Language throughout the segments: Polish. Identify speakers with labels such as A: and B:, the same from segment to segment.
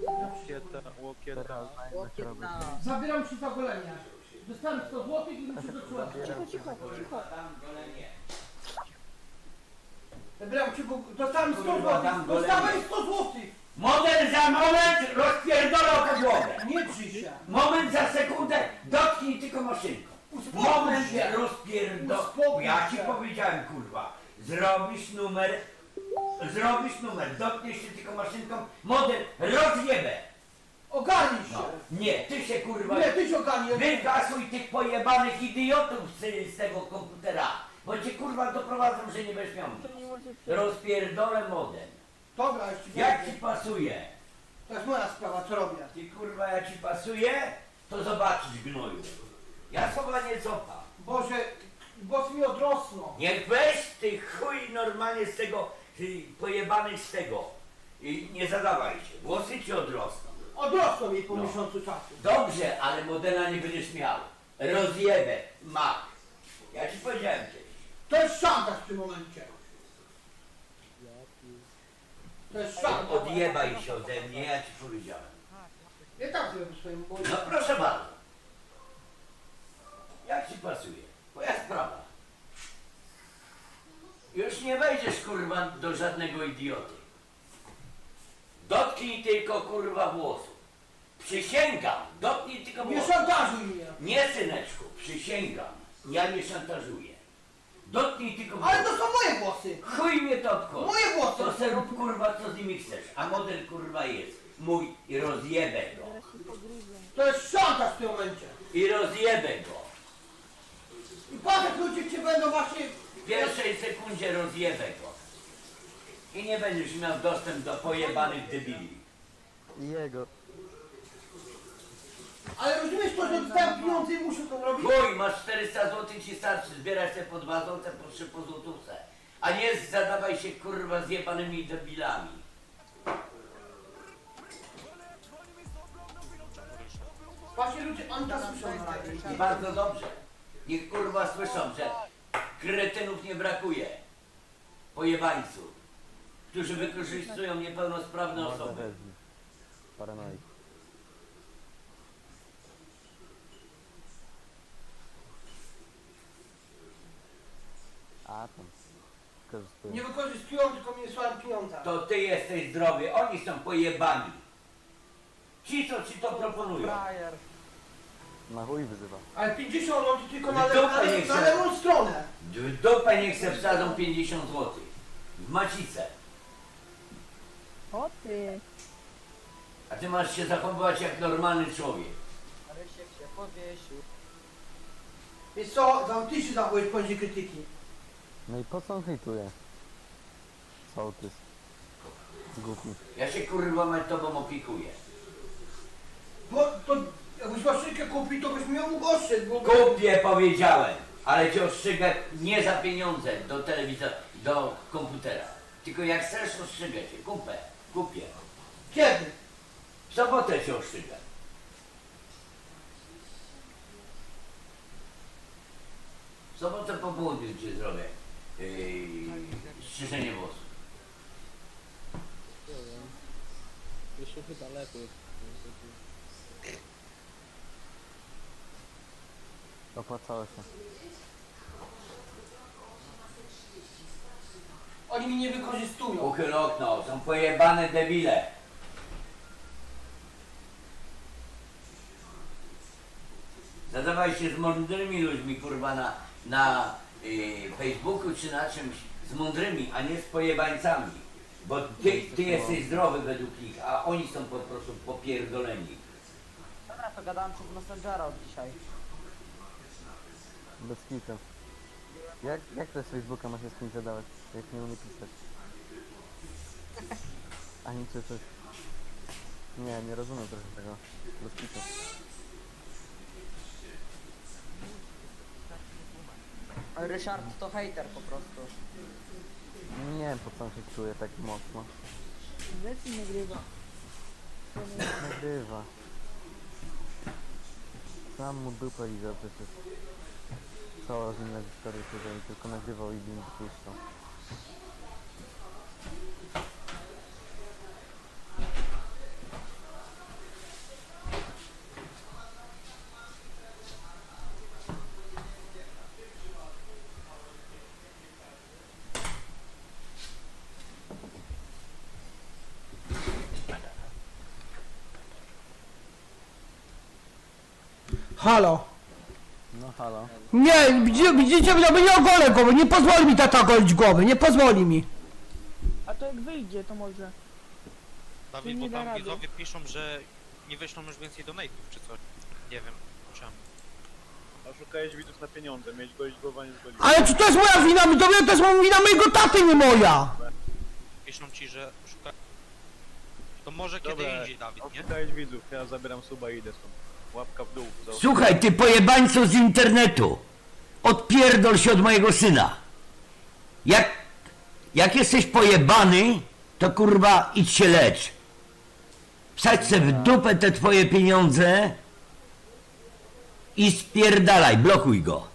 A: Łokieta.
B: Łokietna.
C: Zabieram ci za golenie. Dostałem 100 zł i muszę do człowieka.
B: Cicho.
C: Zabieram ci, bo dostałem 100 zł. Dostałem 100 zł.
D: Model za moment rozpierdolę o podłogę.
C: Nie drzyj się.
D: Moment za sekundę, dotknij tylko maszynką.
C: Uspokój
D: Moment
C: się.
D: rozpierdolę.
C: Uspokój
D: Ja ci
C: się.
D: powiedziałem, kurwa. Zrobisz numer, dotkniesz się tylko maszynką, model rozjebę.
C: Ogarnij się.
D: No. Nie, ty się kurwa...
C: Nie, ty się ogarnij.
D: Wykasuj tych pojebanych idiotów z tego komputera, bo cię kurwa doprowadzą, że nie będziesz miał nic. Rozpierdolę modem.
C: Dobra, już ci
D: Jak ci
C: powiem.
D: pasuje?
C: To jest moja sprawa, co robię.
D: Ty kurwa, jak ci pasuje, to zobaczysz gnoju. Ja słowa nie cofam.
C: Boże, włosy mi odrosną.
D: Niech weź ty chuj normalnie z tego, pojebanych z tego. I nie zadawaj się, włosy ci odrosną.
C: Odrosną mi po
D: No.
C: miesiącu czasu.
D: Dobrze, ale modela nie będziesz miał. Rozjebę, mak. Ja ci powiedziałem kiedyś.
C: To jest szantaż w tym momencie. To jest szantaż.
D: Odjebaj się ode mnie, ja ci powiedziałem.
C: Nie tak zrobię swoim boju.
D: No proszę bardzo. Jak ci pasuje? Moja sprawa. Już nie wejdziesz kurwa do żadnego idioty. Dotknij tylko kurwa włosów. Przysięgam, dotknij tylko
C: Nie
D: włosów.
C: szantażuj mnie.
D: Nie syneczku, przysięgam. Ja nie szantażuję. Dotknij tylko
C: Ale
D: włosów.
C: to są moje włosy.
D: Chuj mnie to obchodzi.
C: Moje włosy.
D: To se rób kurwa co z nimi chcesz. A model kurwa jest mój i rozjebę go.
C: To jest szantaż w tym momencie.
D: I rozjebę go.
C: I patrz jak ludzie cię będą właśnie...
D: W pierwszej sekundzie rozjebę go. I nie będziesz miał dostęp do pojebanych debili.
A: I jego.
C: Ale rozumiesz to, że dostałem pieniądze i muszę to robić?
D: Chuj, masz 400 zł ci starczy, zbierać te po 2 zł, po 3 po złotówce. A nie zadawaj się kurwa z jebanymi debilami.
C: Właśnie ludzie, oni to słyszą na radiu.
D: I bardzo dobrze. Niech kurwa słyszą, że kretynów nie brakuje. Pojebańców. Którzy wykorzystują niepełnosprawne
A: Morda
D: osoby.
A: wezmij. Paranoik. A tam. Korzystuję.
C: Nie wykorzystują, tylko mi wysłałem pieniądze.
D: To ty jesteś zdrowy, oni są pojebani. Ci co ci to proponują.
A: Na chuj wyzywa.
C: Ale 50 on tylko na,
D: Dupę nie
C: na
D: chcę.
C: lewą stronę.
D: W dupę niech se wsadzą 50 zł. W macicę.
B: O ty.
D: A ty masz się zachowywać jak normalny człowiek.
B: Rysiek się powiesił.
C: Wiesz co, ty się zachowujesz poniżej krytyki.
A: No i po co on hejtuje? Sołtys. Głupi.
D: Ja się kurwa nad tobą opiekuję.
C: Bo to jakbyś maszynkę kupił, to byś miał mógł ostrzec, bo...
D: Kupię powiedziałem, ale cię ostrzygę nie za pieniądze do telewizora, do komputera. Tylko jak chcesz ostrzygę cię, kupię.
C: Kiedy?
D: W sobotę cię ostrzygę. W sobotę po południu ci zrobię strzyżenie włosów.
E: Wyszło chyba lepiej.
A: Opłacało się.
C: Oni mnie nie wykorzystują.
D: Uchyl okno, są pojebane debile. Zadawaj się z mądrymi ludźmi, kurwa, na Facebooku czy na czymś, z mądrymi, a nie z pojebańcami. Bo ty jesteś zdrowy według nich, a oni są po prostu popierdoleni.
B: Dobra, to gadałem przez Messengera od dzisiaj.
A: Bez kitu. Jak to z Facebooka ma się z kimś zadawać? Jak nie umie pisać? Ani czy coś. Nie rozumiem trochę tego. Bez kitu.
B: Ryszard to hejter po prostu.
A: Nie wiem po co on się czuje tak mocno.
B: Wiesz, nagrywa.
A: Nagrywa. Sam mu dupę lizał przecież. Cała z nim na historii siedział i tylko nagrywał i im wypuszczał.
C: Halo.
A: No halo.
C: Nie, widzicie, no nie ogolę głowy, nie pozwoli mi tata golić głowy, nie pozwoli mi.
F: A to jak wyjdzie, to może.
G: Dawid,
F: nie
G: bo
F: da
G: tam
F: rady.
G: widzowie piszą, że nie wyślą już więcej donate'ów czy coś. Nie wiem czemu.
E: Oszukałeś widzów na pieniądze, mieć golić głowa, nie zgolić.
C: Ale czy to jest moja wina? Widzowie, to jest wina mojego taty, nie moja.
G: Piszą ci, że szuka... To może kiedy
E: Dobra,
G: indziej, Dawid, nie?
E: oszukałeś widzów, ja zabieram suba i idę stąd. Łapka w dół. Za
D: Słuchaj, ty pojebańcu z internetu. Odpierdol się od mojego syna. Jak jesteś pojebany, to kurwa idź się lecz. Wsadź se w dupę te twoje pieniądze i spierdalaj, blokuj go.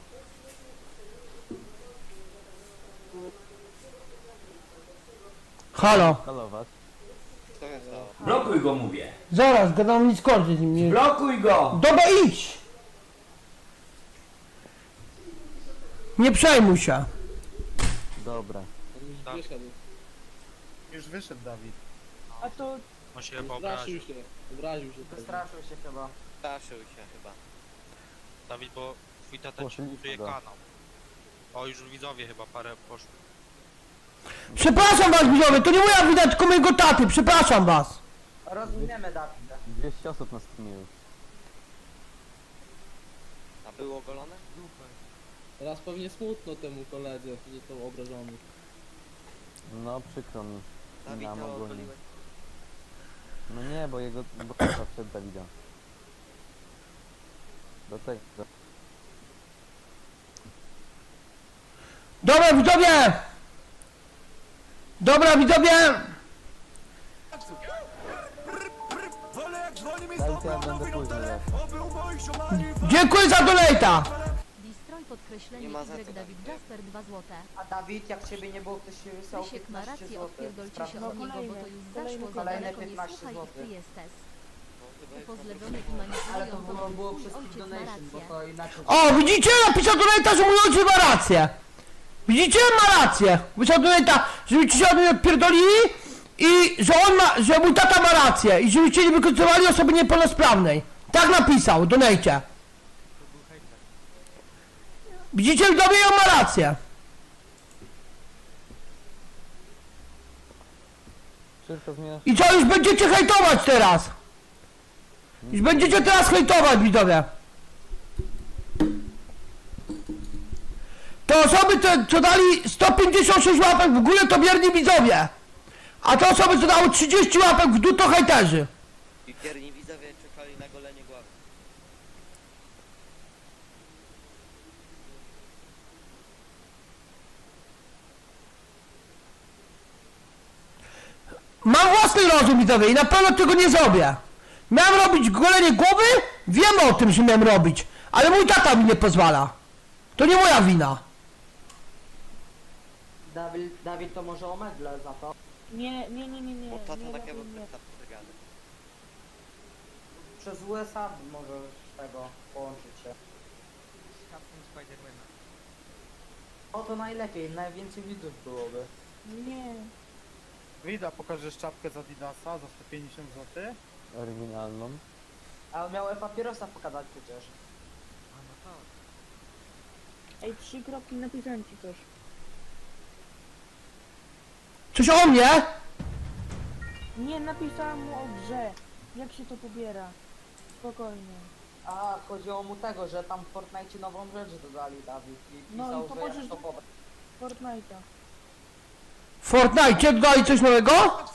C: Halo.
A: Halo was.
D: Blokuj go, mówię.
C: Zaraz, gadam nic kończyć z nim.
D: Blokuj go.
C: Dobra, idź. Nie przejmuj się.
A: Dobra.
E: On już
G: Tak.
E: wyszedł. Już wyszedł Dawid.
F: A to
G: On się chyba
E: Straszył
G: obraził.
E: się, obraził się. pewnie.
B: Wystraszył się chyba.
H: Straszył się chyba.
G: Dawid, bo twój tata ci
A: Poszliśmy
G: buduje
A: go.
G: kanał. O, już widzowie chyba parę poszło.
C: Przepraszam was, widzowie, to nie moja wina, tylko mojego taty, przepraszam was.
B: Rozumiemy, Dawida.
A: 200 osób na streamie już.
H: A było ogolone?
E: Teraz pewnie smutno temu koledze, że został obrażony.
A: No przykro mi.
H: Dawid,
A: Nam
H: to
A: ogólnie.
H: ogoliłeś?
A: No nie, bo tata przed Dawida. Do tego.
C: Dobra, widzowie. Dobra, widzowie.
A: Dajcie, ja będę później jak.
C: Dziękuję za donata.
I: Distroj podkreślenie
H: Nie ma za
I: Y
H: co,
I: Dawid
H: Dawid.
I: Jasper 2 złote.
B: A Dawid, jak ciebie nie było, ktoś się wysłał
I: Krzysiek ma
B: 15
I: rację,
B: zł.
I: odpierdolcie się
F: No
I: od niego, bo to
F: kolejne,
I: już
F: kolejne,
I: zaszło za
B: kolejne
I: daleko, nie
B: 15
I: słuchaj ich, ty
B: złotych.
I: jesteś.
H: No chyba jest
I: Upozlewiony i
B: Ale to
I: manipulują
B: było
I: twój
B: przez
I: ojciec ma
B: donation, bo
I: rację.
B: to inaczej.
C: O, widzicie? Napisał donata, że mój ojciec ma rację. Widzicie? Ma rację. Pisał donata, żebyście się od mnie odpierdolili i że on ma, że mój tata ma rację i żebyście nie wykorzystywali osoby niepełnosprawnej. Tak napisał, donajcie. Widzicie? Widzowie, on ma rację.
A: Wszystko zmieniasz.
C: I co, już będziecie hejtować teraz? Już będziecie teraz hejtować, widzowie. Te osoby, co dali 156 łapek w górę, to wierni widzowie. A te osoby, co dały 30 łapek w dół, to hejterzy.
H: I wierni widzowie czekali na golenie głowy.
C: Mam własny rozum, widzowie, i na pewno tego nie zrobię. Miałem robić golenie głowy, wiem o tym, że miałem robić, ale mój tata mi nie pozwala. To nie moja wina.
B: Dawid to może o medle za to.
F: nie.
H: Bo tata
F: nie,
H: takiego
F: nie.
H: tak przegany.
B: Przez USA możesz tego połączyć się. O to najlepiej, najwięcej widzów byłoby.
F: Nie.
E: Wida, pokażesz czapkę z Adidasa za 150 zł?
A: Oryginalną.
B: A miałem papierosa pokazać przecież.
F: Ej, 3 kropki napisałem ci coś.
C: Coś o mnie?
F: Nie, napisałem mu o grze. Jak się to pobiera? Spokojnie.
B: A chodziło mu tego, że tam w Fortnite nową rzecz dodali, Dawid. I
F: No
B: pisał,
F: i to
B: że jak
F: możesz-
B: to pobrać.
F: Fortnite'a.
C: W Fortnite dodali coś nowego?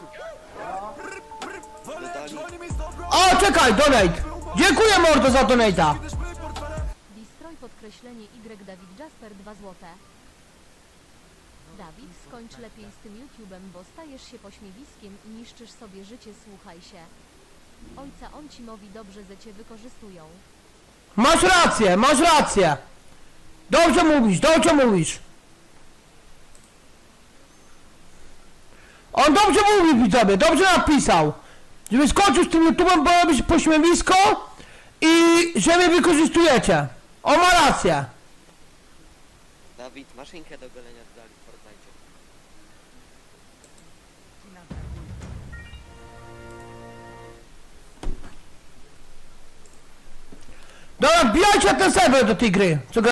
H: Dodali
C: O, czekaj, donate. Dziękuję, mordo, za donata.
I: Distroj podkreślenie Y Dawid Jasper 2 złote. Dawid, skończ lepiej z tym YouTube'em, bo stajesz się pośmiewiskiem i niszczysz sobie życie, słuchaj się. Ojca on ci mówi dobrze, że cię wykorzystują.
C: Masz rację, masz rację. Dobrze mówisz, dobrze mówisz. On dobrze mówi, widzowie, dobrze napisał. Żeby skończył z tym YouTube'em, bo robisz pośmiewisko i że mnie wykorzystujecie. On ma rację.
H: Dawid, maszynkę do golenia dodali w Fortnite.
C: Dobra, wbijajcie na ten serwer do tej gry. Co